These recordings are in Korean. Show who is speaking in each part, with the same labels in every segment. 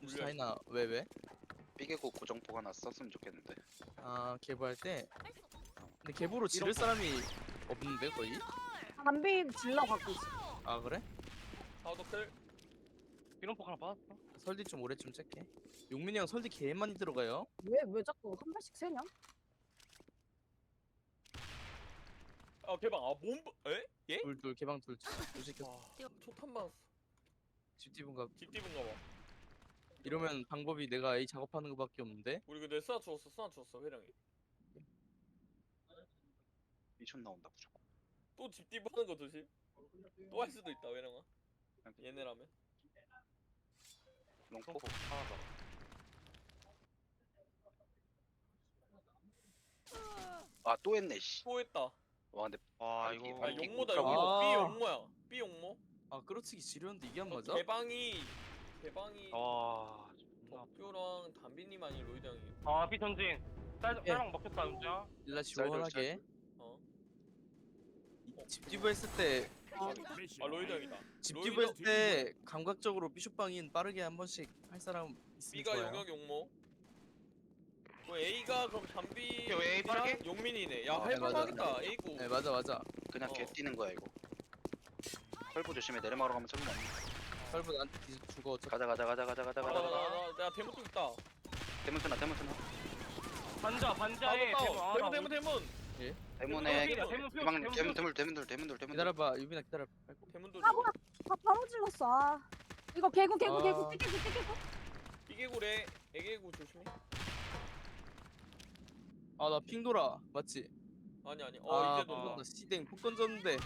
Speaker 1: 스타이나 왜?
Speaker 2: 삐개고 고정포 하나 썼으면 좋겠는데.
Speaker 1: 아 개보할 때. 근데 개보로 지를 사람이 없는데 거의?
Speaker 3: 담비 질러 갖고 있어.
Speaker 1: 아 그래?
Speaker 4: 사우더클
Speaker 5: 이런폭 하나 받았어.
Speaker 1: 설디 좀 오래쯤 찰게. 용민이 형 설디 개 많이 들어가요.
Speaker 3: 왜 자꾸 한 발씩 세냐?
Speaker 4: 아 개방 아 몸.. 에? 예?
Speaker 1: 둘 개방 둘 시켰어.
Speaker 4: 와 초탄 맞았어
Speaker 1: 집 뒤분가.
Speaker 4: 집 뒤분가봐
Speaker 1: 이러면 방법이 내가 A 작업하는 거밖에 없는데.
Speaker 4: 우리 근데 쓰나 주웠어 회령이
Speaker 2: 미션 나온다 무조건.
Speaker 4: 또 집 뒤보는 거 조심 또 할 수도 있다 회령아 얘네라면
Speaker 2: 롱포.
Speaker 5: 이런폭 하나 더.
Speaker 2: 아 또 했네 씨.
Speaker 4: 또 했다
Speaker 2: 와 근데
Speaker 5: 와
Speaker 2: 아니,
Speaker 5: 이거
Speaker 4: 아
Speaker 2: 아니,
Speaker 4: 용모다
Speaker 2: 아.
Speaker 4: 용모 B 용모야 B 용모
Speaker 1: 아 끌어치기 지렸는데 이게 안 맞아?
Speaker 4: 개방이
Speaker 5: 와.
Speaker 4: 덕규랑 담비님 아니 로이드 형이
Speaker 5: 아 비전진. 쌀랑 먹혔다 윤자.
Speaker 1: 일라 지원하게.
Speaker 4: 어?
Speaker 1: 집 뒤부 했을 때
Speaker 4: 아 로이드 형이다
Speaker 1: 집
Speaker 4: 로이드-
Speaker 1: 뒤부 했을 때 감각적으로 비숍방인 빠르게 한 번씩 할 사람 있으면
Speaker 4: B가
Speaker 1: 좋아요.
Speaker 4: 용역 용모 그 A가 그럼 담비
Speaker 5: 오케이, A 빠르게?
Speaker 4: 용민이네 야
Speaker 1: 네, 맞아.
Speaker 4: 할만하겠다 A고
Speaker 1: 네 맞아.
Speaker 2: 그냥
Speaker 4: 어.
Speaker 2: 개 뛰는 거야 이거. 털보 조심해. 내리막으로 가면 저기 없네.
Speaker 1: 설부 나한테 뒤져 죽어. 어차피.
Speaker 2: 가자.
Speaker 4: 나 대문 좀 있다
Speaker 2: 대문 쓰나.
Speaker 5: 반자에
Speaker 4: 대문
Speaker 2: 대문에
Speaker 5: 대문
Speaker 2: 대문.
Speaker 1: 기다려봐 유빈아 기다려. 아이고.
Speaker 4: 대문 돌
Speaker 3: 아 뭐야? 아 바로 질렀어. 아 이거 개구
Speaker 1: 아.
Speaker 3: 깨개구.
Speaker 4: B개구래 애개구 조심해
Speaker 1: 아 나 핑 돌아 맞지?
Speaker 4: 아니
Speaker 1: 아
Speaker 4: 이제
Speaker 1: 폭
Speaker 4: 돈다
Speaker 1: 던다 씨댕 폭 던졌는데.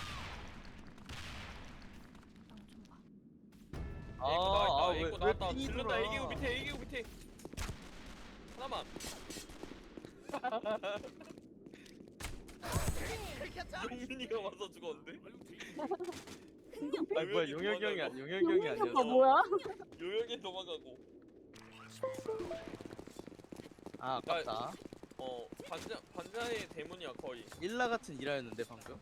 Speaker 4: 애구 나왔다
Speaker 1: 핑이
Speaker 4: 질른다
Speaker 1: 돌아?
Speaker 4: 애개구 밑에 하나만 용민이가 와서 죽었는데?
Speaker 1: 아 뭐야 용혁이 형이 아니야. 용혁이 형이
Speaker 3: 용민이 오빠
Speaker 1: 아니었어.
Speaker 3: 뭐야?
Speaker 4: 요역에 도망가고
Speaker 1: 아 아깝다.
Speaker 4: 반자의 대문이야 거의
Speaker 1: 일라 같은 일화였는데 방금.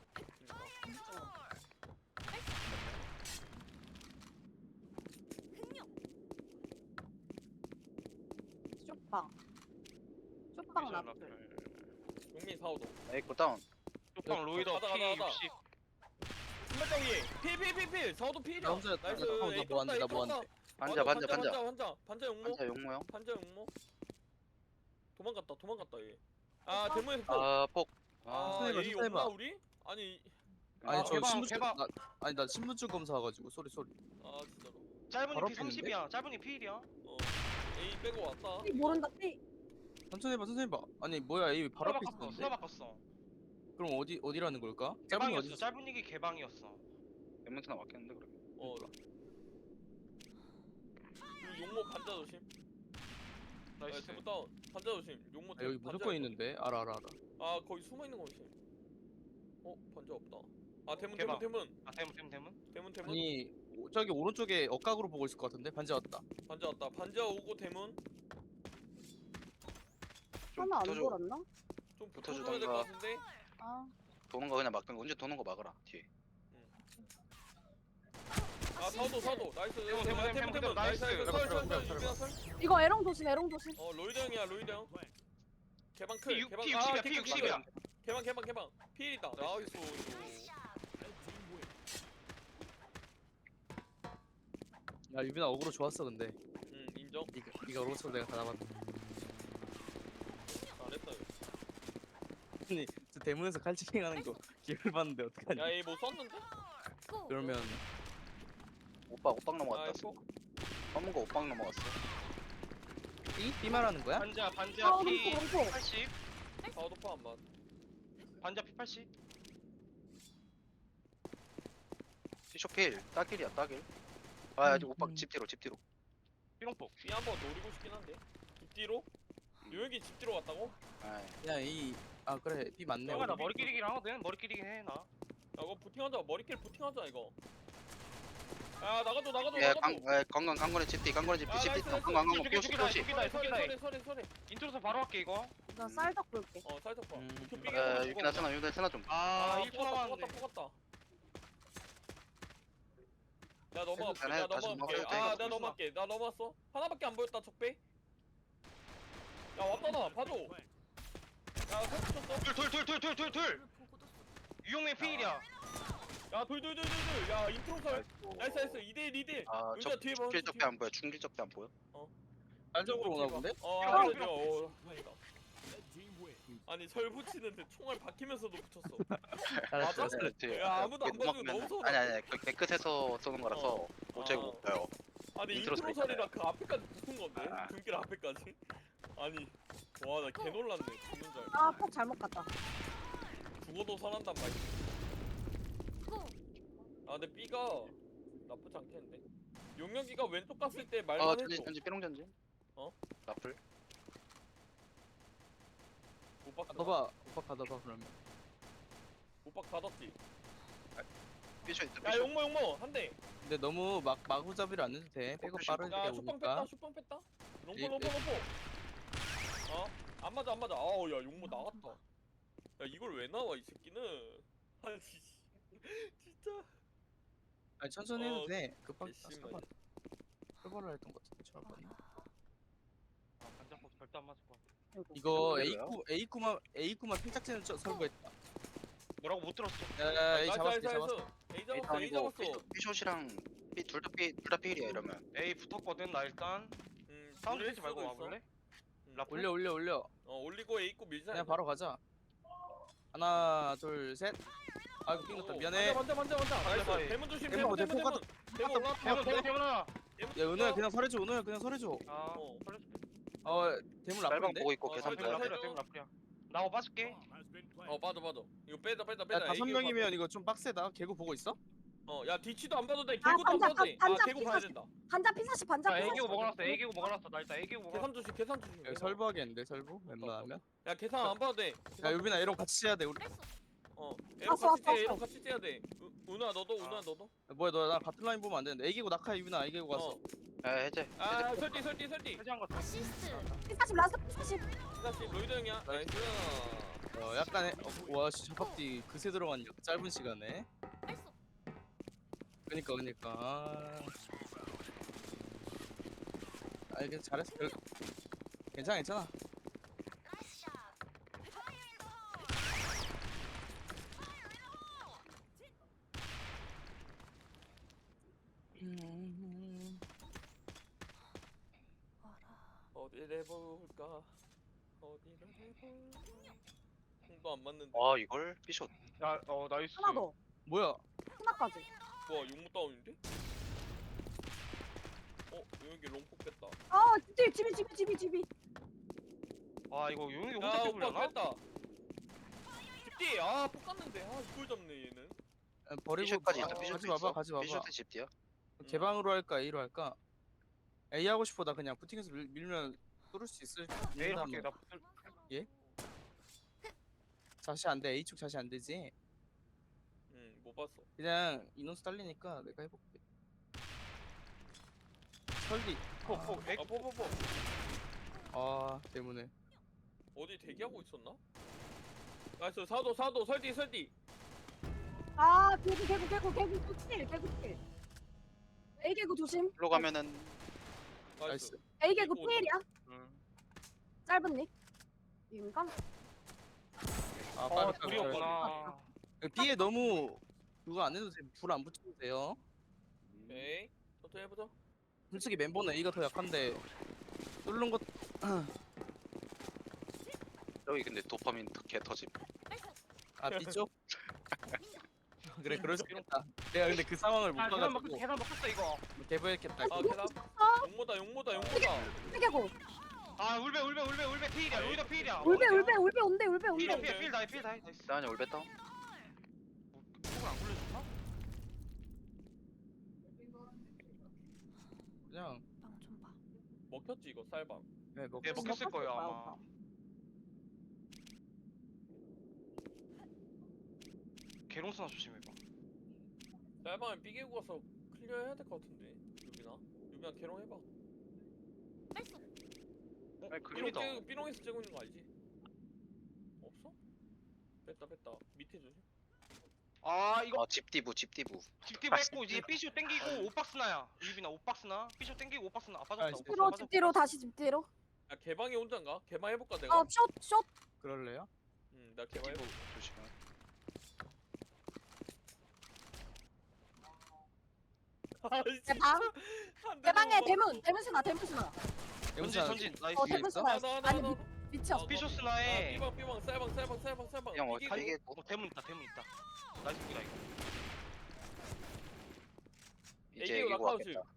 Speaker 3: 쇼빵. 쇼빵 나.
Speaker 4: 용민 사오도
Speaker 2: 에이코 다운.
Speaker 5: 쪽방 로이더
Speaker 4: 가다.
Speaker 5: P60.
Speaker 4: 신발장이 필 사오도 필이야
Speaker 1: 나 혼자였다.
Speaker 4: 나이스
Speaker 1: 나
Speaker 4: 에이
Speaker 1: 뭐 안 돼,
Speaker 4: 떴다,
Speaker 1: 나 뭐 안
Speaker 4: 떴다.
Speaker 1: 돼.
Speaker 2: 반자.
Speaker 4: 반자 용모
Speaker 2: 반자 용모요.
Speaker 4: 반자 용모 도망갔다 얘아 대문에서 폭
Speaker 2: 아폭.
Speaker 1: 스나이버,
Speaker 4: A
Speaker 1: 스나이버.
Speaker 4: 없나 우리? 아니
Speaker 1: 아니 저
Speaker 5: 개방,
Speaker 1: 신분증
Speaker 5: 개방.
Speaker 1: 나 신분증 검사와가지고 소리.
Speaker 4: 아 진짜로
Speaker 5: 짧은이
Speaker 1: 바로
Speaker 5: P30이야. 짧은이 P1이야.
Speaker 4: A 빼고 왔다
Speaker 3: 띠 모른다 띠.
Speaker 1: 천천히 봐. 아니 뭐야 이 바로 앞에
Speaker 5: 수나
Speaker 1: 있었는데.
Speaker 5: 바꿨어.
Speaker 1: 그럼 어디라는 걸까? 짧은 게
Speaker 5: 개방이었어.
Speaker 1: 어디?
Speaker 5: 짧은 이게 개방이었어.
Speaker 2: 대문 쓰나 맞겠는데 그러면.
Speaker 4: 그리고 용모 반자 조심
Speaker 5: 나이스.
Speaker 4: 대문 다운 반자 조심 용모
Speaker 1: 아, 여기 무조건 있는데. 알아.
Speaker 4: 아 거기 숨어있는 거 조심 반자 없다 아 대문
Speaker 5: 개방.
Speaker 4: 대문
Speaker 5: 아 대문.
Speaker 1: 아니 저기 오른쪽에 억각으로 보고 있을 것 같은데 반지 왔다.
Speaker 4: 반자 왔다 반자 오고 대문
Speaker 2: 좀
Speaker 3: 하나 안
Speaker 2: 붙어줘.
Speaker 3: 돌았나?
Speaker 4: 좀
Speaker 2: 붙어주던가.
Speaker 4: 붙어줘야 될 것 같은데
Speaker 3: 아
Speaker 2: 도는 거 그냥 막 언제 도는 거 막으라 뒤에.
Speaker 4: 아 사도 나이스
Speaker 5: 대문,
Speaker 4: 나이스
Speaker 5: 나이스.
Speaker 3: 이거 에롱 조심.
Speaker 4: 로이드 형이야 로이드 형 개방 클
Speaker 5: P60
Speaker 4: 개방
Speaker 5: P60이야. P60이야.
Speaker 4: 개방 필이다 나이스
Speaker 1: 야 유빈아 어그로 좋았어 근데.
Speaker 4: 인정
Speaker 1: 네가 어그로 쳐 내가 다 잡았네.
Speaker 4: 잘했다
Speaker 1: 아니 저 대문에서 칼치킹 하는 거 기회를 봤는데 어떡하냐.
Speaker 4: 야얘 뭐 썼는데?
Speaker 1: 그러면
Speaker 2: 오빵 넘어갔다.
Speaker 4: 아이고
Speaker 2: 검은 거 오빵 넘어갔어.
Speaker 1: B 말하는 거야?
Speaker 5: 반자
Speaker 3: 아 롱포.
Speaker 5: P80.
Speaker 4: 사우도파 안 맞.
Speaker 5: 반자 P80.
Speaker 2: 피쇼필 따길이야 따길. 아 아직 오빵 집 뒤로.
Speaker 5: 삐롱폭.
Speaker 4: B 한번 노리고 싶긴 한데 집 뒤로? 요혁이 집 뒤로 갔다고?
Speaker 2: 아이.
Speaker 1: 아 그래 B 맞네.
Speaker 5: 형아 나
Speaker 1: 우리.
Speaker 5: 머리 끼리긴 하거든. 머리 끼리긴 해 나.
Speaker 4: 야 이거 부팅하자 머리길 부팅하자 이거 야 나가줘
Speaker 2: 예, 강건의 집뒤 강건의 집뒤
Speaker 4: 나이스,
Speaker 2: 강건
Speaker 5: 죽이다.
Speaker 4: 서리
Speaker 5: 인트로서 바로 할게 이거.
Speaker 3: 나 쌀떡 볼게.
Speaker 4: 살짝 봐
Speaker 1: 음.
Speaker 2: 유빈아 쓰나 좀.
Speaker 5: 아 1초 남았는데.
Speaker 4: 뽑았다 나 넘어갈게.
Speaker 2: 해도
Speaker 4: 나
Speaker 2: 돼, 다시
Speaker 4: 넘어갈게.
Speaker 2: 넘어가도 돼,
Speaker 4: 아,
Speaker 2: 이거.
Speaker 4: 나 넘어갈게. 나 넘어왔어. 하나밖에 안 보였다. 적배. 야, 왔다 나. 봐줘. 야, 설 쳤어.
Speaker 5: 둘. 유용민 필이야.
Speaker 4: 야, 돌. 야, 인트로 설. 나이스. 2대1 2대1.
Speaker 2: 아,
Speaker 4: 여기다
Speaker 2: 저
Speaker 4: 뒤에 봐.
Speaker 2: 중길 적대 안 보여. 중길 적대 안 보여.
Speaker 1: 안쪽으로 오나 본데?
Speaker 4: 아, 다행이다. 아니 설 붙이는데 총알 박히면서도 붙였어. 맞아?
Speaker 2: 그렇지.
Speaker 4: 야, 아무도 안
Speaker 2: 그게
Speaker 4: 봐주고 너무
Speaker 2: 넘어가면-
Speaker 4: 서운하다.
Speaker 2: 아니 그 깨끗해서 쏘는 거라서 도저히 못 봐요.
Speaker 4: 아니
Speaker 2: 인트로
Speaker 4: 인트로
Speaker 2: 소리
Speaker 4: 설이라 그 앞에까지 붙은 건데
Speaker 2: 아.
Speaker 4: 중길 앞에까지. 아니 와 나 개 놀랐네. 죽는 줄 알고.
Speaker 3: 아, 폭 잘못 갔다.
Speaker 4: 죽어도 설한단 말이야. 아 근데 B가 나쁘지 않겠는데. 용역이가 왼쪽 갔을 때 말만 해줘.
Speaker 2: 전지 삐롱 전지.
Speaker 4: 어?
Speaker 2: 나풀.
Speaker 4: 오빠
Speaker 1: 가둬봐. 오빠 가둬봐 그러면.
Speaker 4: 오빠 가뒀지.
Speaker 2: 삐셔 있다.
Speaker 4: 야
Speaker 2: 삐셔.
Speaker 4: 용모 한 대.
Speaker 1: 근데 너무 마구잡이를 안 해도 돼. 백업 빠르게
Speaker 4: 야 슈빵 뺐다.
Speaker 1: 오니까.
Speaker 4: 슈빵 뺐다.
Speaker 1: 예,
Speaker 4: 롱포. 어? 안 맞아. 아우 야 용모 나갔다. 야 이걸 왜 나와 이 새끼는. 아니 진짜.
Speaker 1: 아니 천천히 해도
Speaker 4: 어,
Speaker 1: 돼. 급하게
Speaker 4: 개심하네.
Speaker 1: 사번. 설벌을 했던 것 같은데 저번에.
Speaker 5: 아 반짝법 절대 안 맞을 거.
Speaker 1: 이거
Speaker 2: 이거요?
Speaker 1: A구만 팽짝지는 설거했다.
Speaker 5: 뭐라고 못 들었어.
Speaker 1: 야 A 잡았어. A 잡았어.
Speaker 4: A 잡았어. A 잡았어.
Speaker 2: 삐숏이랑 둘다 삐일이야 이러면.
Speaker 5: A 붙었거든 나 일단. 사운드 내지 말고 와볼래? 라플?
Speaker 1: 올려.
Speaker 4: 올리고 A 고 밀자.
Speaker 1: 그냥 바로 가자. 하나 둘 셋. 아이고 삥났다 미안해.
Speaker 4: 먼저. 나이스.
Speaker 5: 사이.
Speaker 4: 대문 조심.
Speaker 1: 대문,
Speaker 4: 대문.
Speaker 1: 대문
Speaker 4: 대문 올라왔다.
Speaker 5: 대문아.
Speaker 1: 야 은호야 그냥 설해줘. 은호야 그냥 설해줘.
Speaker 5: 아
Speaker 4: 어.
Speaker 5: 설레줄게.
Speaker 1: 대문
Speaker 2: 쌀방
Speaker 1: 라플인데?
Speaker 2: 보고 있고
Speaker 4: 어,
Speaker 2: 계산
Speaker 4: 쌀방
Speaker 2: 보여.
Speaker 4: 쌀방.
Speaker 5: 라플이야 라플이야. 나와 빠질게.
Speaker 4: 빠져. 이거 빼다.
Speaker 1: 야 5명이면 이거 좀 빡세다. 개구 보고 있어?
Speaker 4: 야 뒤치도 안 봐도 돼. 개구도 안
Speaker 3: 반자,
Speaker 4: 봐도 돼.
Speaker 3: 반자,
Speaker 4: 개구 봐야 된다.
Speaker 3: 반자 피사시, 반자
Speaker 5: 자
Speaker 3: 피사시.
Speaker 5: 애기고 먹어놨어. 애기고 먹어놨어. 나 일단 애기고 먹어.
Speaker 4: 계산 조심.
Speaker 1: 여기 설부하겠는데 설부? 웬만하면?
Speaker 4: 야 계산 안 봐도 돼.
Speaker 1: 야 유빈아 이런 거 같이 해야 돼 우리.
Speaker 4: 에로
Speaker 3: 왔어,
Speaker 4: 같이 째야 돼.
Speaker 3: 왔어.
Speaker 4: 에로 같이 째야 돼. 은우야 너도.
Speaker 1: 뭐야 너 나 같은 라인 보면 안 되는데. 애기고 낙하 유빈아 애기고 갔어.
Speaker 2: 해제.
Speaker 4: 아 설디.
Speaker 5: 해제한 거 같아.
Speaker 3: 피사시, 라스트 피사시.
Speaker 4: 다시 로이드 형이야. 나이스.
Speaker 1: 약간 와 진짜 잡박디 그새 들어갔냐 그 짧은 시간에. 그니까 아니 그냥 잘했어. 괜찮아.
Speaker 4: 어디를 해볼까? 공도 안 맞는데.
Speaker 2: 와 이걸 삐숏.
Speaker 5: 야 나이스.
Speaker 3: 하나 더.
Speaker 1: 뭐야?
Speaker 3: 하나까지.
Speaker 4: 와 용무 다운인데? 여기 롱폭 뺐다.
Speaker 3: 아, 집이.
Speaker 5: 아 이거 용이
Speaker 4: 야
Speaker 5: 혼자
Speaker 4: 오빠
Speaker 5: 떼굴려나?
Speaker 4: 뺐다. 집디 폭 갔는데 이걸 잡네 얘는.
Speaker 1: 버리고
Speaker 2: 삐숏까지 있다.
Speaker 4: 아,
Speaker 2: 삐숏
Speaker 1: 가지 마봐.
Speaker 2: 삐숏의 집디야.
Speaker 1: 개방으로 할까 A로 할까? A 하고 싶어. 나 그냥 부팅해서 밀면 뚫을 수 있을.
Speaker 5: 내일
Speaker 1: 있나
Speaker 5: 할게.
Speaker 1: 뭐.
Speaker 5: 나
Speaker 1: 자시 안 돼. A 쪽 자시 안 되지.
Speaker 4: 못 봤어.
Speaker 1: 그냥 인원수 딸리니까 내가 해볼게. 설디.
Speaker 5: 폭.
Speaker 4: 포.
Speaker 1: 아 때문에.
Speaker 4: 어디 대기하고 있었나? 나이스 사도 설디.
Speaker 3: 아, 개구 킬. A 개구 조심.
Speaker 2: 일로 가면은
Speaker 1: 나이스.
Speaker 3: A 개구
Speaker 4: 개구
Speaker 3: 필이야.
Speaker 5: 응.
Speaker 3: 짧은 닉. 인간.
Speaker 1: 아 빠르다.
Speaker 5: 둘이었구나.
Speaker 1: B에 너무 그거 안 해도 돼. 불 안 붙여도 돼요.
Speaker 4: 오케이. 천천히 해보자.
Speaker 1: 솔직히 멤버는 A가 더 약한데 뚫는 것.
Speaker 2: 여기 근데 도파민 개 터짐.
Speaker 1: 아 B쪽? 그래 그럴 수 있겠다. 내가 근데 그 상황을 못
Speaker 5: 아 계산 먹혔어.
Speaker 1: 봐가지고
Speaker 5: 계산 먹혔어 이거.
Speaker 1: 개보했겠다.
Speaker 4: 아 계산. 용모다.
Speaker 3: A 개구.
Speaker 5: 아 울베 필이야. 로이더 필이야.
Speaker 3: 울베 온대.
Speaker 5: 필 다이. 나이스.
Speaker 2: 나은이 올베 다운.
Speaker 5: 폭을 안 굴려줬나?
Speaker 1: 그냥
Speaker 3: 빵좀 봐.
Speaker 4: 먹혔지 이거 쌀방.
Speaker 1: 네,
Speaker 5: 예 먹혔을 거예요 아마. 개롱스나 조심해봐.
Speaker 4: 쌀방에 삐개고 가서 클리어 해야 될 것 같은데. 유빈아 개롱 해봐.
Speaker 2: 아니, 그림이다.
Speaker 4: 삐롱에서 째고 있는 거 알지? 없어? 뺐다 밑에 조심.
Speaker 5: 아 이거
Speaker 2: 집디부
Speaker 5: 집디 뺐고 이제 삐쇼 땡기고 오박스나야. 유빈아 오박스나. 삐쇼 땡기고 오박스나. 아빠
Speaker 1: 아,
Speaker 5: 졌다.
Speaker 1: 집
Speaker 3: 뒤로 집 뒤로 다시 집 뒤로.
Speaker 4: 야 개방이 혼자인가? 개방 해볼까 내가?
Speaker 3: 숏.
Speaker 1: 그럴래요?
Speaker 4: 나 개방
Speaker 2: 집디부
Speaker 4: 해볼게.
Speaker 2: 조심해.
Speaker 4: 아, 진짜.
Speaker 3: 대방.
Speaker 4: 한
Speaker 3: 대방에
Speaker 4: 대만
Speaker 3: 대문 스나.
Speaker 5: 전진 전진. 나이스.
Speaker 3: 대문 스나. 아니 미쳤어.
Speaker 5: 삐쇼스나에.
Speaker 4: 삐방 쌀방
Speaker 2: 형
Speaker 4: 이기고.
Speaker 2: 이게
Speaker 5: 대문 있다. 나이스 무기다 이거.
Speaker 2: 이제
Speaker 4: 애기고
Speaker 2: 이거
Speaker 4: 낙하우스.
Speaker 2: 왔겠다.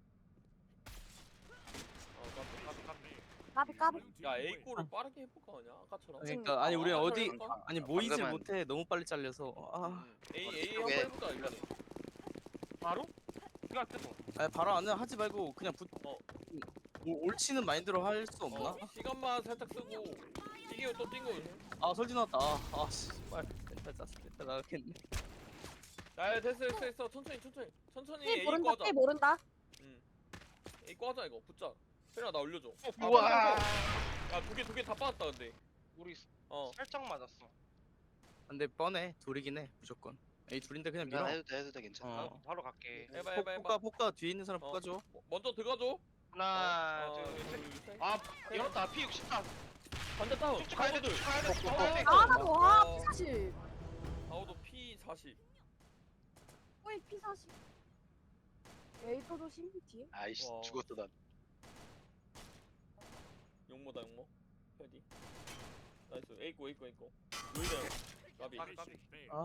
Speaker 3: 까비.
Speaker 4: 야 A골을 빠르게 해볼까 그냥 아까처럼.
Speaker 1: 그러니까 아니 우리
Speaker 4: 아,
Speaker 1: 어디
Speaker 4: 해볼까?
Speaker 1: 아니 모이질
Speaker 2: 방금은-
Speaker 1: 못해 너무 빨리 잘려서
Speaker 4: A
Speaker 2: 어디
Speaker 4: 한번
Speaker 2: 쪽에?
Speaker 4: 해볼까 이번에.
Speaker 5: 바로? 이거 뜨고.
Speaker 1: 아니 바로 안은 하지 말고 그냥 옳지는 마인드로 할 수 없나?
Speaker 4: 시간만 살짝 쓰고 이기고 또 뛴거.
Speaker 1: 아 설진 나왔다 씨발 멘탈 나가겠네.
Speaker 4: 야 됐어 천천히
Speaker 3: 삐
Speaker 4: A
Speaker 3: 모른다.
Speaker 4: 꺼자.
Speaker 3: 삐 모른다.
Speaker 4: A 꺼자 이거 붙자. 혜라 나 올려줘.
Speaker 5: 우와.
Speaker 4: 야두 개 다 빠졌다 근데.
Speaker 5: 우리
Speaker 4: 어.
Speaker 5: 살짝 맞았어.
Speaker 1: 근데 뻔해 둘이긴 해 무조건. 에이 둘인데 그냥 밀어.
Speaker 2: 해도 돼 괜찮아.
Speaker 1: 어.
Speaker 5: 바로 갈게.
Speaker 4: 해봐.
Speaker 1: 포카 뒤에 있는 사람
Speaker 4: 어.
Speaker 1: 포카줘.
Speaker 4: 먼저 들어가줘.
Speaker 5: 하나,
Speaker 4: 어,
Speaker 5: 둘, 셋.
Speaker 4: 둘, 셋.
Speaker 5: 아, 열었다. P64.
Speaker 4: 반대 다운.
Speaker 5: 쭉쭉 가야 돼.
Speaker 4: 가우들.
Speaker 5: 쭉쭉 가야 돼. 쭉쭉
Speaker 4: 어,
Speaker 5: 가야 돼.
Speaker 3: 아 나도 와
Speaker 4: 어.
Speaker 3: P40.
Speaker 4: 가우도 P40.
Speaker 3: 어이 P40. 에이터 조심 뒤에.
Speaker 2: 아이씨
Speaker 4: 와.
Speaker 2: 죽었어 난.
Speaker 4: 용모다 용모. 패디. 나이스. 에이코. 루이다. 가비.
Speaker 5: 까비.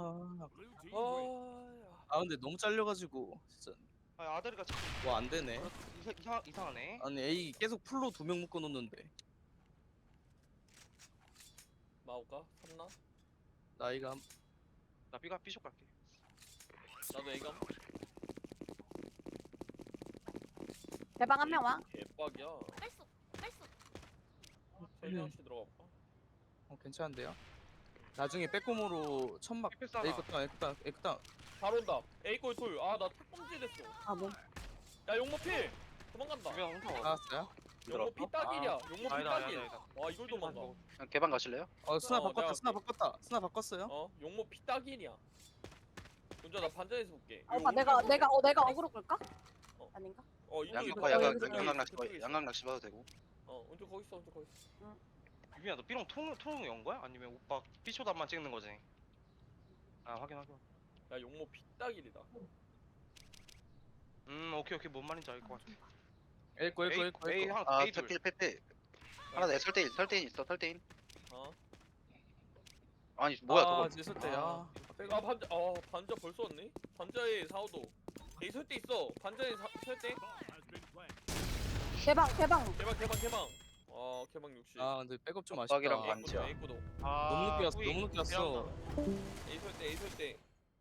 Speaker 1: 아 근데 너무 잘려가지고 진짜
Speaker 5: 아, 아다리가 자꾸
Speaker 1: 뭐 안 되네.
Speaker 5: 이상하네.
Speaker 1: 아니 A 계속 풀로 2명 묶어 놓는데
Speaker 4: 마오까? 삼나?
Speaker 1: 나이가
Speaker 5: 나 B가 B쇼 갈게.
Speaker 4: 나도 A가.
Speaker 3: 대방 한 명 와.
Speaker 4: 개빡이야. 세명씩 들어갈까?
Speaker 1: 괜찮은데요? 나중에 빼꼼으로 천막
Speaker 5: P 싸나.
Speaker 1: 에이크땅
Speaker 4: 바로 온다. A골 돌. 아나 탁범지 됐어.
Speaker 3: 아 뭐.
Speaker 4: 야 용모 필. 도망간다.
Speaker 5: 유빈아 혼자 와.
Speaker 1: 나왔어요?
Speaker 4: 용모 피 딱일이야. 용모 피
Speaker 5: 아니다,
Speaker 4: 딱일.
Speaker 5: 아니다.
Speaker 4: 와 이걸 도망가.
Speaker 2: 그냥 개방 가실래요?
Speaker 1: 스나
Speaker 4: 내가
Speaker 1: 바꿨다
Speaker 4: 할게.
Speaker 1: 스나 바꿨어요?
Speaker 4: 어? 용모 피 딱일이야. 먼저 나 반전에서 볼게.
Speaker 3: 오빠 내가 어그로 끌까?
Speaker 4: 어.
Speaker 3: 아닌가?
Speaker 4: 이쪽에
Speaker 3: 이거
Speaker 2: 양각
Speaker 3: 여기서
Speaker 2: 양각 낚시 봐도 되고.
Speaker 4: 왼쪽 거기 있어.
Speaker 5: 유빈아 너 B롱 통으로 연 거야? 아니면 오빠 B쇼답만 찍는 거지? 아 확인.
Speaker 4: 야 용모 피 딱일이다.
Speaker 5: 오케이 뭔 말인지 알 것 같아.
Speaker 1: 에이코
Speaker 5: A 하나
Speaker 2: 아
Speaker 5: A 둘.
Speaker 2: 페페 하나 내 설대인 있어 설대인.
Speaker 4: 어?
Speaker 2: 아니 뭐야 저거.
Speaker 1: 있을 때야
Speaker 4: 아 반자 벌써 왔네? 반자에 4호도. A 설대 있어. 반자에 설대.
Speaker 3: 대방.
Speaker 4: 개방. 개방 60.
Speaker 1: 근데 백업 좀 아쉽다.
Speaker 2: 빡빡이랑 반지야.
Speaker 4: A구도.
Speaker 1: 너무 늦게 왔어
Speaker 5: 후이.
Speaker 1: 너무 늦게 왔어.
Speaker 4: A 설대.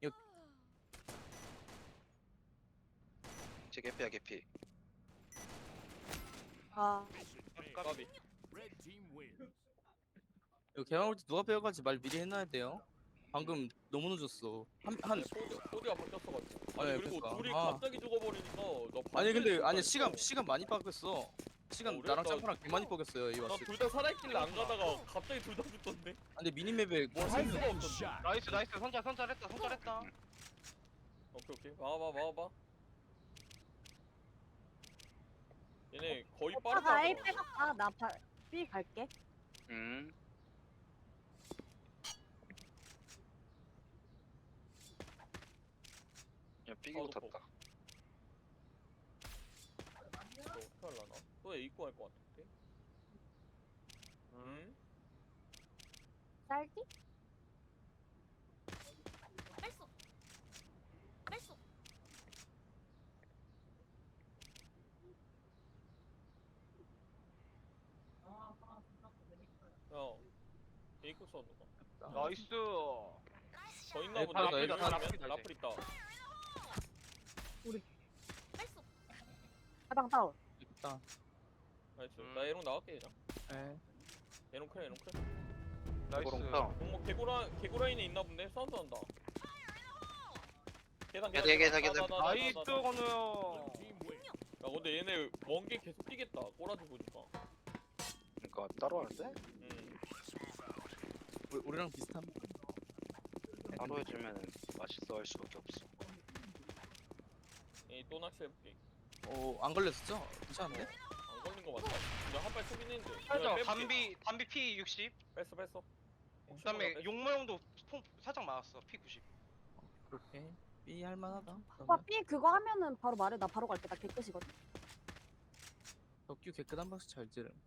Speaker 2: 제 개피야 개피.
Speaker 3: 아
Speaker 4: 까비.
Speaker 1: 이거 개방 올때 누가 빼어갈지 말 미리 해놔야 돼요. 방금 너무 늦었어. 한
Speaker 4: 코드가 바뀌었어가지고. 아니
Speaker 1: 네,
Speaker 4: 그리고
Speaker 1: 그러니까.
Speaker 4: 둘이
Speaker 1: 아.
Speaker 4: 갑자기 죽어버리니까 너
Speaker 1: 아니 근데 아니
Speaker 4: 반전에
Speaker 1: 시간 많이 바뀌었어. 시간
Speaker 4: 그래?
Speaker 1: 나랑
Speaker 4: 나-
Speaker 1: 짬파랑 개 많이 바뀌었어요 이 왔을 때.
Speaker 4: 나둘 다 살아있길래 안 가다가 갑자기 둘 다 죽던데?
Speaker 1: 근데 미니맵에
Speaker 4: 뭘 할 수가 없던데.
Speaker 5: 나이스 선잘했다.
Speaker 4: 오케이. 막아봐. 얘네 거의 빠르다.
Speaker 3: 오빠가 A 빼갔다. 나 B 갈게.
Speaker 2: 야 삐기고
Speaker 4: 바로
Speaker 2: 탔다.
Speaker 4: 너 어떻게 하려나? 또 A 입고 할것 같은데?
Speaker 3: 쌀기?
Speaker 4: 야 A 입고 써 누가?
Speaker 5: 나이스.
Speaker 4: 더 있나
Speaker 1: 네,
Speaker 4: 보네.
Speaker 1: 바로
Speaker 4: 라플
Speaker 1: 더
Speaker 4: 있다.
Speaker 5: 있다.
Speaker 4: 라플 있다.
Speaker 3: 대방 다운.
Speaker 1: 있다.
Speaker 4: 나이스. 나 에롱 나갈게 그냥.
Speaker 1: 에.
Speaker 4: 에롱 클.
Speaker 5: 나이스.
Speaker 2: 고롱탕.
Speaker 4: 뭐 개구라인에 있나 본데? 사운드 한다. 계단.
Speaker 2: 계단.
Speaker 5: 나이스 건우 형.
Speaker 4: 야 근데 얘네 먼게 계속 뛰겠다. 꼬라지 보니까.
Speaker 2: 그러니까 따로 하는데?
Speaker 1: 우리랑 비슷한.
Speaker 2: 따로 해주면 맛있어. 없어 할 수밖에 없어.
Speaker 4: 또 낚시해볼게.
Speaker 1: 안 걸렸었죠? 괜찮은데?
Speaker 4: 안 걸린 거 맞다. 그냥 한발 쏘긴 했는데.
Speaker 5: 살짝
Speaker 4: 빼볼게.
Speaker 5: 담비 P 60.
Speaker 4: 뺐어.
Speaker 5: 그다음에 용모형도 살짝 맞았어. P 90.
Speaker 1: 그렇게 B 할만하다.
Speaker 3: 오빠 B 그거 하면은 바로 말해. 나 바로 갈게. 나 개끝이거든.
Speaker 1: 덕규 개끝 한 방씩 잘 찌름.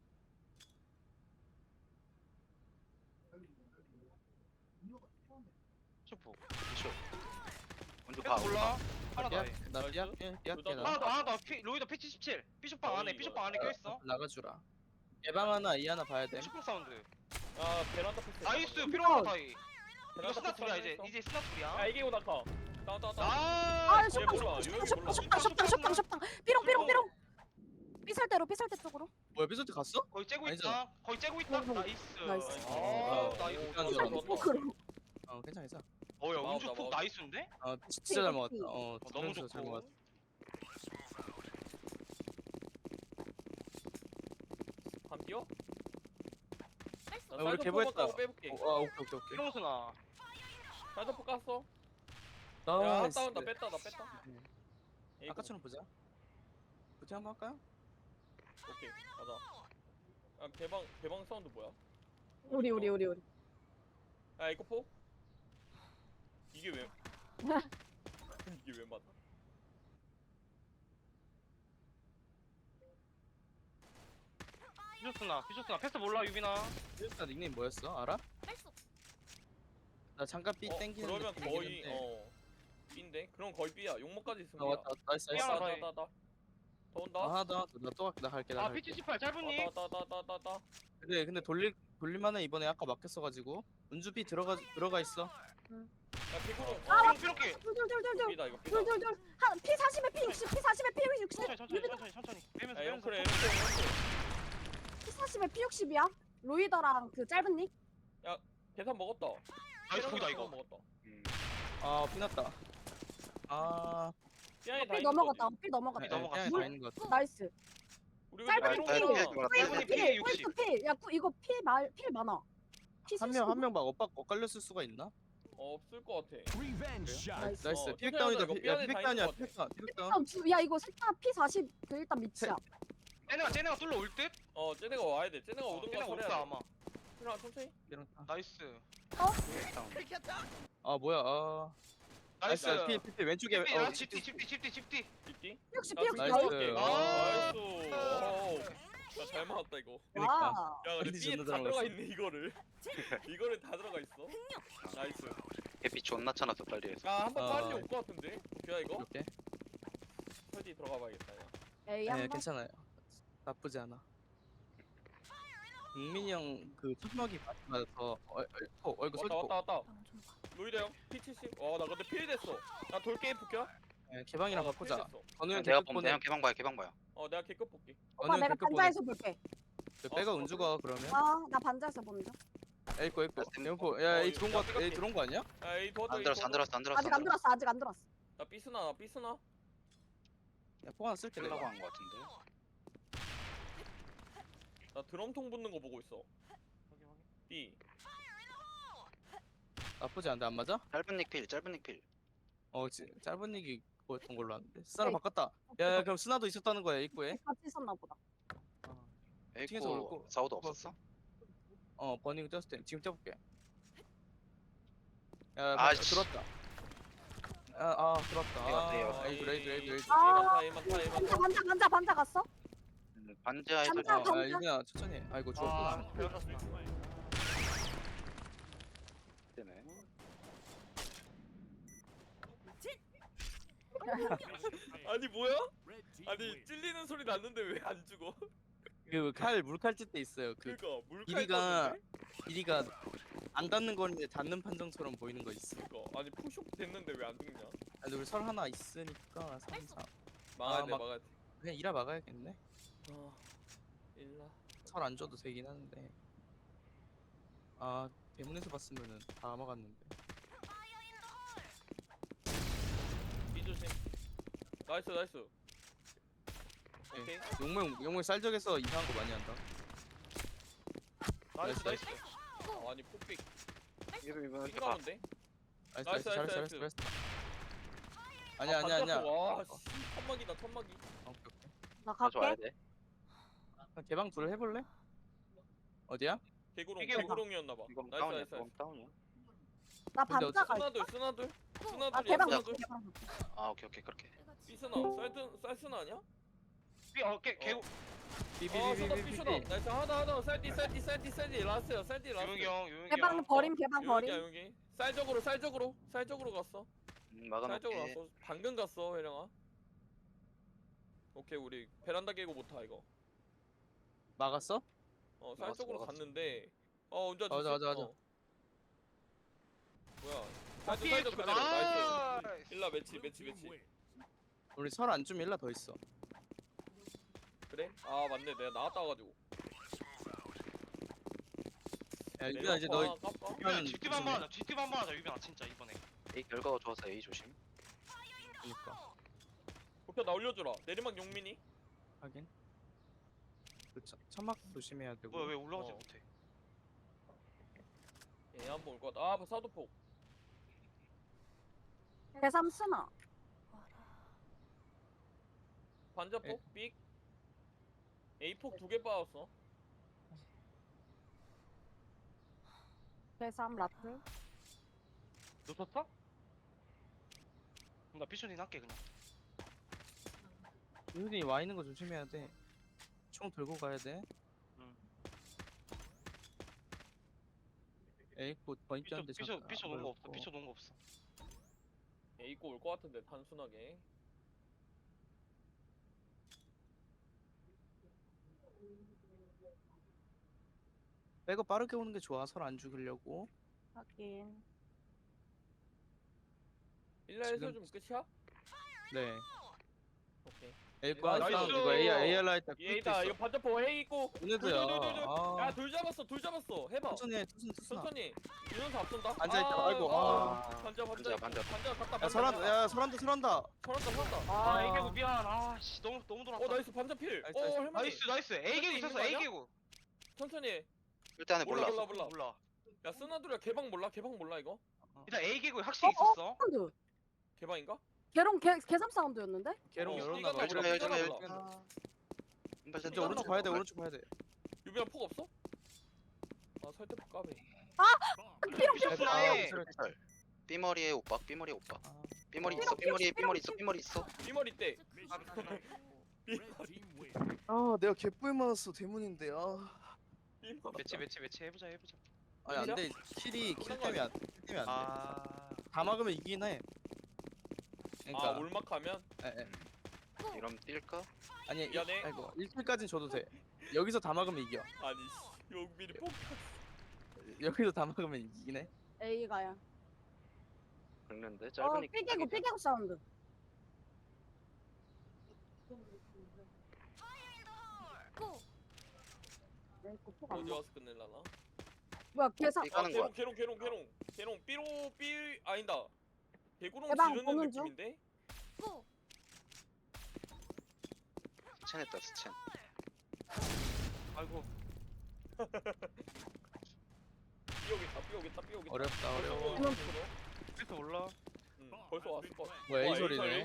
Speaker 5: 슈퍼.
Speaker 2: 피쇼. 먼저
Speaker 5: 계속
Speaker 2: 가.
Speaker 5: 몰라. 하나 더 해.
Speaker 1: 나
Speaker 4: 나이스.
Speaker 1: 삐약게
Speaker 4: 둘다
Speaker 1: 나.
Speaker 5: 하나 더 P 로이더 P 77. B쇼빵 안에 B쇼빵 안에 껴있어.
Speaker 1: 나가주라. 예방 하나 이 하나 봐야 돼.
Speaker 5: 슈퍼 사운드.
Speaker 4: 아 베란다 패스.
Speaker 5: 나이스 피로마 타이. 이거
Speaker 4: 베란다
Speaker 5: 스나
Speaker 4: 패스
Speaker 5: 둘이야
Speaker 4: 한번
Speaker 5: 이제.
Speaker 4: 했어.
Speaker 5: 이제 스나
Speaker 4: 야
Speaker 5: 둘이야.
Speaker 4: 이게 오다카. 다운.
Speaker 5: 아.
Speaker 4: 얘 몰라. 요영이 몰라.
Speaker 3: 쇼빵. 삐롱. 삐살대로 삐살대 쪽으로.
Speaker 1: 뭐야 삐소트 갔어?
Speaker 5: 거의 째고
Speaker 1: 아니잖아.
Speaker 5: 있다. 거의 째고 있다.
Speaker 3: 나이스.
Speaker 5: 나이스.
Speaker 3: 나이스.
Speaker 5: 아, 나이스.
Speaker 1: 일단
Speaker 3: 삐살대
Speaker 1: 좋아.
Speaker 3: 쪽으로.
Speaker 1: 괜찮아.
Speaker 5: 어야
Speaker 4: 마우다,
Speaker 5: 운주 폭
Speaker 4: 마우다.
Speaker 5: 나이스인데?
Speaker 1: 진짜 잘 먹었다.
Speaker 5: 너무
Speaker 1: 잘
Speaker 5: 좋고.
Speaker 1: 먹었다.
Speaker 4: 반 뛰어?
Speaker 1: 우리 개보했다.
Speaker 4: 빼볼게.
Speaker 1: 오케이.
Speaker 5: 피롱스나.
Speaker 4: 살더포 깠어. 야
Speaker 1: 나이스.
Speaker 4: 핫다운 나 뺐다. 에이구.
Speaker 1: 아까처럼 보자. 부팅 한번 할까요?
Speaker 4: 오케이 가자. 아 개방 사운드 뭐야?
Speaker 3: 우리.
Speaker 4: 야 이거 포? 이게 왜? 이게 왜 맞아?
Speaker 5: 피쇼스나. 패스 몰라 유빈아.
Speaker 1: 삐소트 닉네임 뭐였어? 알아? 나 잠깐 삐 땡기는
Speaker 4: 그러면
Speaker 1: 느낌이긴
Speaker 4: 거의
Speaker 1: 한데.
Speaker 4: B인데? 그럼 거의 B야. 용모까지 있으면 B야.
Speaker 1: 왔다. 나이스.
Speaker 5: 삐 하나 더 해.
Speaker 4: 더 온다.
Speaker 1: 하나 더. 나또 갈게. 나 갈게.
Speaker 5: 아 P78 짧은니?
Speaker 4: 왔다.
Speaker 1: 근데 돌릴만해 이번에 아까 막혔어가지고 은주 B 들어가 있어.
Speaker 4: 야 개구로.
Speaker 5: 피롱키.
Speaker 3: 둘.
Speaker 4: B다 이거 B다.
Speaker 3: 한 P 40에 P 60. P 40에 P 60.
Speaker 5: 천천히. 빼면서
Speaker 4: 야
Speaker 5: 빼면서.
Speaker 4: 영크래.
Speaker 3: P 40에 P 60이야. 로이더랑 그 짧은 닉.
Speaker 4: 계산 먹었다.
Speaker 5: 나이스 거기다 이거.
Speaker 4: 먹었다.
Speaker 1: 피났다.
Speaker 4: 삐안에 다
Speaker 3: P
Speaker 4: 있는
Speaker 3: 넘어갔다.
Speaker 4: 거지.
Speaker 3: P 넘어갔다.
Speaker 5: 넘어갔어.
Speaker 1: 다 있는 것 같아.
Speaker 3: 나이스.
Speaker 4: 우리가
Speaker 3: 짧은
Speaker 4: 이거
Speaker 3: 삐.
Speaker 4: 삐롱이잖아.
Speaker 5: 짧은 P 60.
Speaker 3: P. 야 이거 P 많아. P
Speaker 1: 한 명 막 엇갈렸을 수가 있나?
Speaker 4: 없을 것 같아.
Speaker 3: 나이스.
Speaker 1: 나이스.
Speaker 4: 어,
Speaker 1: 피백다운이다.
Speaker 4: 이거 삐안에 다
Speaker 1: 피백다운이야.
Speaker 4: 있는 것 같아.
Speaker 1: 피백다운.
Speaker 3: 야 이거 셋다 P40 그 일단 밑이야.
Speaker 5: 쟤네가 뚫러 올 듯?
Speaker 4: 쟤네가 와야 돼. 쟤네가 오던
Speaker 5: 쟤네가
Speaker 4: 거
Speaker 5: 올
Speaker 4: 소리야.
Speaker 5: 거야 아마.
Speaker 4: 그냥 천천히.
Speaker 5: 나이스.
Speaker 1: 뭐야?
Speaker 5: 나이스.
Speaker 1: 나이스. 피 왼쪽에.
Speaker 5: 집뒤.
Speaker 4: 집디?
Speaker 3: 60
Speaker 4: 나
Speaker 3: P 60.
Speaker 1: 나이스.
Speaker 3: 나이스.
Speaker 4: 나이스. 와우. 나잘 맞았다 이거.
Speaker 1: 그러니까.
Speaker 3: 와.
Speaker 4: 야 근데
Speaker 1: 어디
Speaker 4: B에
Speaker 1: 존나
Speaker 4: 다
Speaker 1: 잘
Speaker 4: 들어가
Speaker 1: 먹었어.
Speaker 4: 있네 이거를. 이거를 다 들어가 있어. 나이스.
Speaker 2: 해피 존나 쳐놨어 빨리 해서.
Speaker 4: 한번 빨리 올 것 같은데. 오케이 이거.
Speaker 1: 이렇게.
Speaker 4: 설디 들어가 봐야겠다. 야.
Speaker 3: A
Speaker 1: 네,
Speaker 3: 한번.
Speaker 1: 괜찮아요. 나쁘지 않아. 국민이 형 그 천막이 맞아서 이거 소리
Speaker 4: 왔다. 로이드 형 P70. 나 근데 필 됐어. 나 돌게임 볼게.
Speaker 1: 개방이랑 바꾸자. 건우 형
Speaker 2: 내가
Speaker 1: 개급
Speaker 2: 보면 내가
Speaker 1: 보내.
Speaker 2: 개방 봐요.
Speaker 4: 내가 개급 볼게.
Speaker 3: 오빠 내가 반자에서 볼게.
Speaker 1: 빼가 은주가 그러면.
Speaker 3: 나 반자에서 보는 중.
Speaker 1: 에이코.
Speaker 2: 나
Speaker 1: 에이코. 야, 에이 들어온 거
Speaker 4: 야,
Speaker 1: 에이 들어온 거 아니야?
Speaker 4: 야, 이 도와줘.
Speaker 2: 안 들었어.
Speaker 3: 아직 안 들어왔어.
Speaker 4: 나 삐스나.
Speaker 1: 야, 포 하나 쓸게
Speaker 2: 끌라고
Speaker 1: 내가.
Speaker 2: 한 거 같은데.
Speaker 4: 나 드럼통 붙는 거 보고 있어. B.
Speaker 1: 나쁘지 않은데 안 맞아?
Speaker 2: 짧은 닉필.
Speaker 1: 짧은 얘기 뭐였던 걸로 아는데. 스나로
Speaker 3: 에이.
Speaker 1: 바꿨다. 야, 그럼 스나도 있었다는 거야 입구에.
Speaker 3: 같이 있었나 보다.
Speaker 1: ting에서
Speaker 2: 에이코
Speaker 1: 올고.
Speaker 2: 사우도 없었어?
Speaker 1: 버닝 떴을 때 지금 떼볼게. 야,
Speaker 2: 아이씨.
Speaker 1: 들었다. 들었다.
Speaker 2: 얘가
Speaker 1: 레이드.
Speaker 3: 반자 갔어?
Speaker 2: 반지하에서
Speaker 3: 반자.
Speaker 1: 유빈아 천천히 해. 아이고 죽었구나.
Speaker 2: 때문에.
Speaker 4: 아니 뭐야? 아니 찔리는 소리 났는데 왜 안 죽어?
Speaker 1: 그 물칼 찔 때 있어요. 그
Speaker 4: 그니까 물칼
Speaker 1: 길이가
Speaker 4: 떴는데?
Speaker 1: 길이가 안 닿는 건데 닿는 판정처럼 보이는 거 있어.
Speaker 4: 그니까 아니 푸쇼 됐는데 왜 안 죽냐?
Speaker 1: 근데 우리 설 하나 있으니까 3사.
Speaker 4: 막아야 돼
Speaker 1: 막-
Speaker 4: 막아야 돼.
Speaker 1: 그냥 이라 막아야겠네.
Speaker 4: 일라.
Speaker 1: 설 안 줘도 되긴 하는데. 대문에서 봤으면은 다 막았는데.
Speaker 4: B 조심. 나이스. 오케이.
Speaker 1: 용맹 쌀적에서 이상한 거 많이 한다.
Speaker 5: 나이스.
Speaker 4: 아니 폭빅
Speaker 2: 이거
Speaker 4: 핑가운데?
Speaker 1: 나이스
Speaker 4: 나이스,
Speaker 1: 잘했어
Speaker 4: 나이스,
Speaker 1: 잘했어. 아니야 아니야 아니야.
Speaker 4: 와 씨, 천막이다 천막이.
Speaker 1: 오케이, 오케이.
Speaker 3: 나
Speaker 2: 가져와야
Speaker 3: 갈게.
Speaker 2: 돼.
Speaker 1: 그럼 개방 둘 해볼래? 어디야?
Speaker 4: 개구롱
Speaker 5: 이게 뭐-
Speaker 4: 개구롱이었나봐.
Speaker 2: 이건
Speaker 4: 나이스
Speaker 2: 다운이야.
Speaker 4: 나이스
Speaker 2: 이건
Speaker 4: 나이스.
Speaker 2: 다운이야.
Speaker 3: 나
Speaker 1: 근데
Speaker 3: 반자가 있어.
Speaker 4: 스나들 스나들
Speaker 3: 아
Speaker 4: 스나들이야
Speaker 3: 개방
Speaker 4: 스나들.
Speaker 3: 개방.
Speaker 2: 아 오케이 오케이 그렇게.
Speaker 4: 삐스나 쌀스나 아니야?
Speaker 5: 개구
Speaker 4: 어 쇼다 삐쇼다. 나이스 하나 쌀디 라스트야 쌀디 라스트.
Speaker 5: 유영이 형 유영이
Speaker 3: 개방
Speaker 5: 형.
Speaker 3: 버림 개방
Speaker 4: 여기야
Speaker 3: 버림.
Speaker 4: 여기. 쌀적으로 갔어. 쌀적으로
Speaker 2: 막아놓게.
Speaker 4: 갔어. 방금 갔어 회령아. 오케이 우리 베란다 깨고 못하 이거.
Speaker 1: 막았어?
Speaker 4: 쌀적으로
Speaker 2: 막았어.
Speaker 4: 갔는데 운전
Speaker 1: 맞아, 맞아, 맞아.
Speaker 4: 뭐야?
Speaker 5: 아,
Speaker 4: 쌀적 그대로 나이스. 일라 매치.
Speaker 1: 우리 설 안 주면 일라 더 있어.
Speaker 4: 그래? 아 맞네 내가 나갔다 와가지고.
Speaker 1: 야 유빈아 이제 너
Speaker 4: 깜깜.
Speaker 5: 유빈아 뒷팀 한번 하자. 뒷팀 한번 하자. 유빈아 진짜 이번에.
Speaker 2: A 결과가 좋아서 A 조심.
Speaker 1: 그니까
Speaker 4: 목표 나 올려주라. 내리막 용민이.
Speaker 1: 하긴. 그 천막 조심해야 되고.
Speaker 5: 뭐야 왜 올라가지
Speaker 4: 어.
Speaker 5: 못해?
Speaker 4: 얘 한번 올 것 같다. 사도폭.
Speaker 3: 대삼 쓰나.
Speaker 4: 반자폭 삑. A폭 2개 빠졌어.
Speaker 3: 대삼 라플.
Speaker 5: 놓쳤어? 나 피쇼딘 할게 그냥.
Speaker 1: 유빈이 와 있는 거 조심해야 돼. 총 들고 가야 돼.
Speaker 5: 응.
Speaker 1: 에이코 번입자인데
Speaker 5: 피쇼 놓은 거 없어. 피쇼 놓은 거 없어.
Speaker 4: A고 올 것 같은데 단순하게.
Speaker 1: 백업 빠르게 오는 게 좋아. 설 안 죽이려고.
Speaker 3: 하긴.
Speaker 4: 일라에서
Speaker 1: 지금-
Speaker 4: 좀 끝이야?
Speaker 1: 네.
Speaker 4: 오케이.
Speaker 1: 에이코
Speaker 4: 나이스.
Speaker 1: 한 사람 이거 AR 라이트
Speaker 4: 얘다 이거 반자폭 A 있고.
Speaker 1: 오늘도야. 아.
Speaker 4: 야둘 잡았어. 해봐.
Speaker 1: 천천히 해. 투순.
Speaker 4: 천천히. 유연사 앞선다.
Speaker 1: 앉아있다. 아이고, 아.
Speaker 4: 반자.
Speaker 2: 반자.
Speaker 4: 반자 갔다.
Speaker 1: 야 설한다. 야 설한다.
Speaker 4: 설한다.
Speaker 5: 아 A개구 미안. 아씨 너무 돌았다.
Speaker 4: 나이스 반자 필.
Speaker 1: 나이스, 나이스.
Speaker 4: 할머니.
Speaker 5: 나이스 A개구 있었어.
Speaker 4: 있는 거 아니야?
Speaker 5: A개구.
Speaker 4: 천천히 해.
Speaker 2: 일단은 몰라.
Speaker 5: 몰라.
Speaker 4: 야 쓰나들야 개방 몰라 이거?
Speaker 5: 일단 A개구 확실히
Speaker 3: 어?
Speaker 5: 있었어.
Speaker 3: 사운드.
Speaker 4: 개방인가?
Speaker 3: 개롱 개삼 사운드였는데?
Speaker 1: 개롱
Speaker 4: 어,
Speaker 1: 열었나 봐.
Speaker 4: 삐가
Speaker 2: 열중해
Speaker 4: 몰라.
Speaker 2: 열중해. 한발
Speaker 1: 이제 오른쪽 봐야 돼. 오른쪽 봐야 돼.
Speaker 4: 유비야 폭 없어? 설득 까비.
Speaker 3: 피롱
Speaker 5: 피쇼
Speaker 1: 아,
Speaker 5: 스나해.
Speaker 2: 삐머리에 오빠. 삐머리에 오빠.
Speaker 1: 아,
Speaker 2: 삐머리
Speaker 3: 삐롱,
Speaker 2: 있어. 삐머리에
Speaker 3: 삐롱,
Speaker 2: 삐머리 있어. 삐머리 있어.
Speaker 4: 삐머리 때.
Speaker 1: 아 내가 개뿔 많았어 대문인데. 아.
Speaker 5: 매치 해보자.
Speaker 1: 아니 안돼. 킬이 킬 때문에 안 돼.
Speaker 5: 아.
Speaker 1: 다 막으면 이기긴 해. 그러니까.
Speaker 4: 올막하면?
Speaker 1: 에.
Speaker 2: 이러면 뛸까?
Speaker 1: 아니
Speaker 4: 미안해.
Speaker 1: 아이고 1킬까진 줘도 돼. 여기서 다 막으면 이겨.
Speaker 4: 아니 용민이 폭.
Speaker 1: 여기서 다 막으면 이기긴 해.
Speaker 3: A가야.
Speaker 2: 긁는데 짧으니까.
Speaker 3: 삐개고 사운드. 에이코 폭 안
Speaker 4: 어디
Speaker 3: 나.
Speaker 4: 와서 끝낼라나?
Speaker 3: 뭐야 개삼.
Speaker 2: 삐 까는 거야.
Speaker 4: 개롱 삐로 아니다. 개구롱
Speaker 3: 대박,
Speaker 4: 지르는
Speaker 3: 보는 중.
Speaker 4: 느낌인데?
Speaker 2: 스첸했다 스첸.
Speaker 5: 아이고.
Speaker 4: 삐오겠다.
Speaker 1: 어렵다 어려워.
Speaker 3: 이놈.
Speaker 5: 그래서 몰라.
Speaker 4: 벌써 왔을 거.
Speaker 1: 뭐야, A설이네.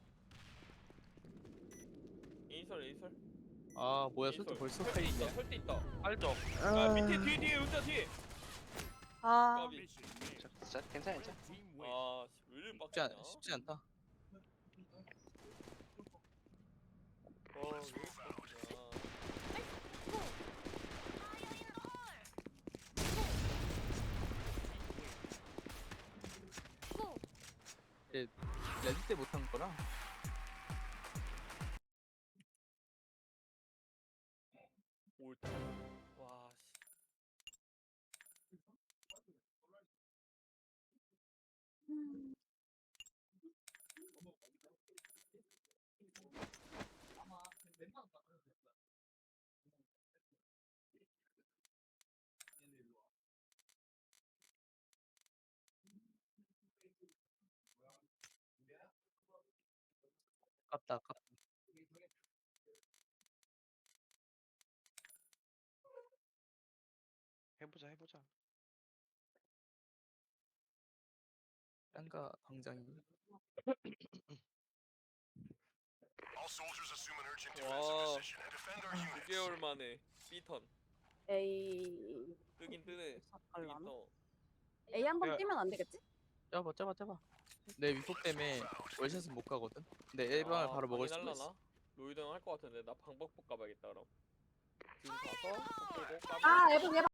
Speaker 4: A설.
Speaker 1: 아 뭐야 솔직히 벌써
Speaker 4: 설대 있다. 설대 있다.
Speaker 5: 알죠.
Speaker 4: 아 밑에 뒤에 은자 뒤에.
Speaker 3: 아.
Speaker 4: 까비.
Speaker 2: 자 괜찮아.
Speaker 4: 왜 이리 빡치냐?
Speaker 1: 쉽지 않다.
Speaker 4: 왜 이리 빡치냐?
Speaker 1: 레드 때 못한 거라.
Speaker 4: 옳다. 와 씨.
Speaker 1: 아깝다.
Speaker 5: 해보자.
Speaker 1: 짱가 당장이.
Speaker 4: 와 6개월 만에 B턴
Speaker 3: A
Speaker 4: 뜨긴 뜨네. 뜨긴
Speaker 3: 갈라나?
Speaker 4: 떠.
Speaker 3: A 한번
Speaker 5: 야.
Speaker 3: 뛰면 안 되겠지?
Speaker 1: 짜봐. 내 위폭 때문에 월샷은 못 가거든. 근데 A방을 바로 먹을 수도 있어.
Speaker 4: 로이드 형할 것 같은데 나 방법복 가봐야겠다 그럼. 지금 가서 폭 들고 까면
Speaker 3: 아, 예복